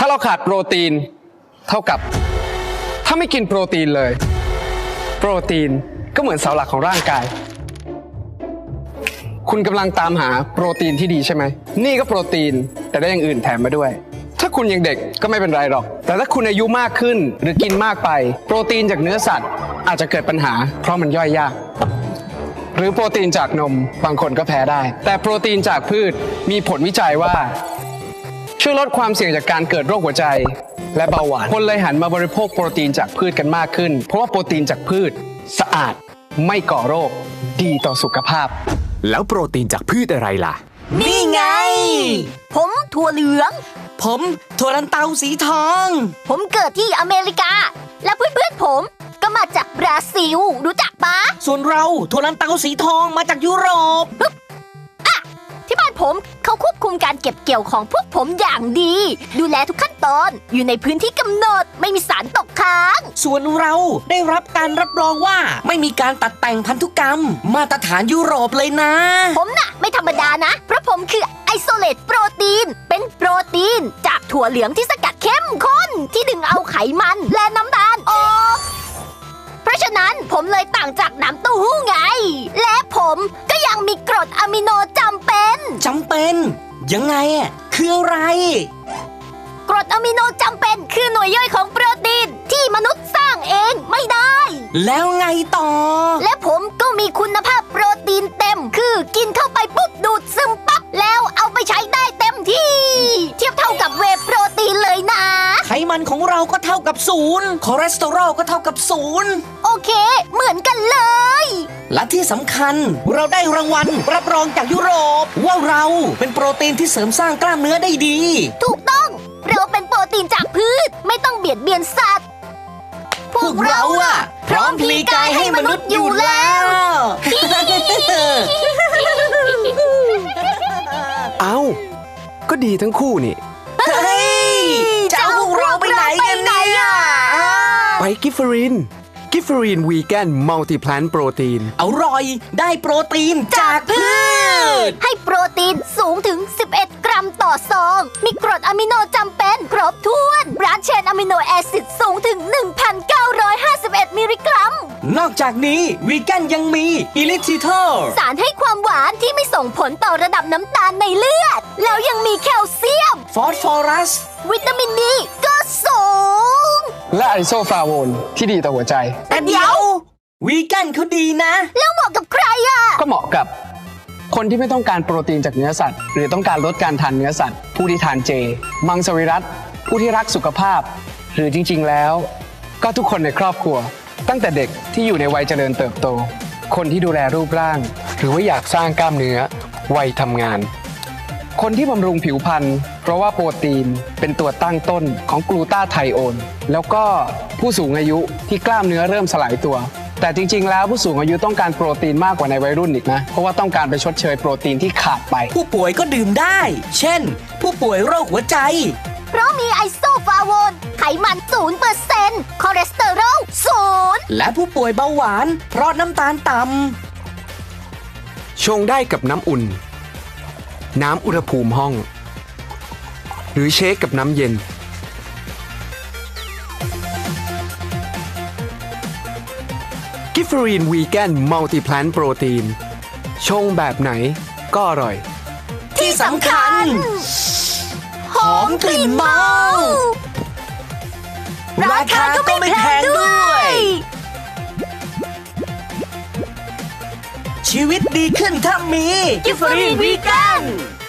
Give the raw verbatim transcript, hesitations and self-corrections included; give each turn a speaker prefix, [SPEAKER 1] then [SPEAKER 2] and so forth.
[SPEAKER 1] ถ้าเราขาดโปรตีนเท่ากับถ้าไม่กินโปรตีนเลยโปรตีนก็เหมือนเสาหลักของร่างกายคุณกำลังตามหาโปรตีนที่ดีใช่ไหมนี่ก็โปรตีนแต่ได้อย่างอื่นแถมมาด้วยถ้าคุณยังเด็กก็ไม่เป็นไรหรอกแต่ถ้าคุณอายุมากขึ้นหรือกินมากไปโปรตีนจากเนื้อสัตว์อาจจะเกิดปัญหาเพราะมันย่อยยากหรือโปรตีนจากนมบางคนก็แพ้ได้แต่โปรตีนจากพืชมีผลวิจัยว่าช่วยลดความเสี่ยงจากการเกิดโรคหัวใจและเบาหวานคนเลยหันมาบริโภคโปรตีนจากพืชกันมากขึ้นเพราะว่าโปรตีนจากพืชสะอาดไม่ก่อโรคดีต่อสุขภาพ
[SPEAKER 2] แล้วโปรตีนจากพืชอะไรล่ะ
[SPEAKER 3] นี่ไงผมถั่วเหลือง
[SPEAKER 4] ผมถั่วลันเตาสีทอง
[SPEAKER 3] ผมเกิดที่อเมริกาและเพื่อนๆผมก็มาจากบราซิลรู้จักปะ
[SPEAKER 4] ส่วนเราถั่วลันเตาสีทองมาจากยุโรป
[SPEAKER 3] อ่ะที่บ้านผมเขาควบคุมการเก็บเกี่ยวของพวกผมอย่างดีดูแลทุกขั้นตอนอยู่ในพื้นที่กำหนดไม่มีสารตกค้าง
[SPEAKER 4] ส่วนเราได้รับการรับรองว่าไม่มีการตัดแต่งพันธุกรรมมาตรฐานยุโรปเลยนะ
[SPEAKER 3] ผมน่ะไม่ธรรมดานะเพราะผมคือไอโซเลตโปรตีนเป็นโปรตีนจากถั่วเหลืองที่สกัดเข้มข้นที่ดึงเอาไขมันและน้ำตาลออกเพราะฉะนั้นผมเลยต่างจากน้ำเต้าหู้ไงและผมก็ยังมีกรดอะมิโนจำเป็น
[SPEAKER 4] จำเป็นยังไงอ่ะคืออะไร
[SPEAKER 3] กรดอะมิโนจำเป็นคือหน่วยย่อยของโปรตีนที่มนุษย์สร้างเองไม่ได้
[SPEAKER 4] แล้วไงต่อ
[SPEAKER 3] และผมก็มีคุณภาพโปรตีนเต็มคือกินเข้าไปปุ๊บดูดซึมปั๊บแล้วเอาไปใช้ได้เต็มที่เทียบเท่ากับเวย์โปรตีนเลยนะ
[SPEAKER 4] ไขมันของเราก็เท่ากับศูนย์คอเลสเตอรอลก็เท่ากับศูนย์
[SPEAKER 3] โอเคเหมือนกันเลย
[SPEAKER 4] และที่สำคัญเราได้รางวัลรับรองจากยุโรปว่าเราเป็นโปรตีนที่เสริมสร้างกล้ามเนื้อได้ดี
[SPEAKER 3] ถูกต้องเราเป็นโปรตีนจากพืชไม่ต้องเบียดเบียนสัตว์
[SPEAKER 4] พวกเราอะพร้อมพลีกายให้มนุษย์อยู่แล้ว
[SPEAKER 1] เอ้าก็ดีทั้งคู่นี่
[SPEAKER 4] เฮ้ยจะเอาพวกเราไปไหนกันเนี่ย
[SPEAKER 1] ไปกิฟเฟอรินกิฟเฟอรินวีแกนมัลติแพลนโปรตีน
[SPEAKER 4] อร่อยได้โปรตีนจากพืช
[SPEAKER 3] ให้โปรตีนสูงถึงสิบเอ็ดกรัมต่อซองมีกรดอะมิโนจำเป็นครบถ้วนบรันช์เชนอะมิโนแอซิดสูงถึง หนึ่งพันเก้าร้อยห้าสิบเอ็ด มิลลิกรัม
[SPEAKER 4] นอกจากนี้วีแกนยังมีอิลิทิทอล
[SPEAKER 3] สารให้ความหวานที่ไม่ส่งผลต่อระดับน้ำตาลในเลือดแล้วยังมีแคลเซียม
[SPEAKER 4] ฟอสฟอรัส
[SPEAKER 3] วิตามินดีก็สูง
[SPEAKER 1] และไอโซฟลาโวนที่ดีต่อหัวใจ
[SPEAKER 4] แต่เดี๋ยววีแกนเขาดีนะ
[SPEAKER 3] แล้วเหมาะกับใครอ่ะ
[SPEAKER 1] ก็เหมาะกับคนที่ไม่ต้องการโปรตีนจากเนื้อสัตว์หรือต้องการลดการทานเนื้อสัตว์ผู้ที่ทานเจมังสวิรัติผู้ที่รักสุขภาพหรือจริงๆแล้วก็ทุกคนในครอบครัวตั้งแต่เด็กที่อยู่ในวัยเจริญเติบโตคนที่ดูแลรูปร่างหรือว่าอยากสร้างกล้ามเนื้อวัยทำงานคนที่บำรุงผิวพรรณเพราะว่าโปรตีนเป็นตัวตั้งต้นของกลูตาไทโอนแล้วก็ผู้สูงอายุที่กล้ามเนื้อเริ่มสลายตัวแต่จริงๆแล้วผู้สูงอายุต้องการโปรตีนมากกว่าในวัยรุ่นอีกนะเพราะว่าต้องการไปชดเชยโปรตีนที่ขาดไป
[SPEAKER 4] ผู้ป่วยก็ดื่มได้เช่นผู้ป่วยโรคหัวใจ
[SPEAKER 3] เพราะมีไอโซฟลาโวนไขมัน ศูนย์เปอร์เซ็นต์ คอเลสเตอรอล ศูนย์
[SPEAKER 4] และผู้ป่วยเบาหวานเพราะน้ำตาลต่ำ
[SPEAKER 1] ชงได้กับน้ำอุ่นน้ำอุณหภูมิห้องหรือเชคกับน้ำเย็นกิฟเฟอรีนวีแกนมัลติแพลนโปรตีนชงแบบไหนก็อร่อย
[SPEAKER 4] ที่สำคัญหอมกลิ่นเมาราคาก็ไม่แพงด้วยชีวิตดีขึ้นถ้ามี
[SPEAKER 3] กิฟเฟอรีนวีแกน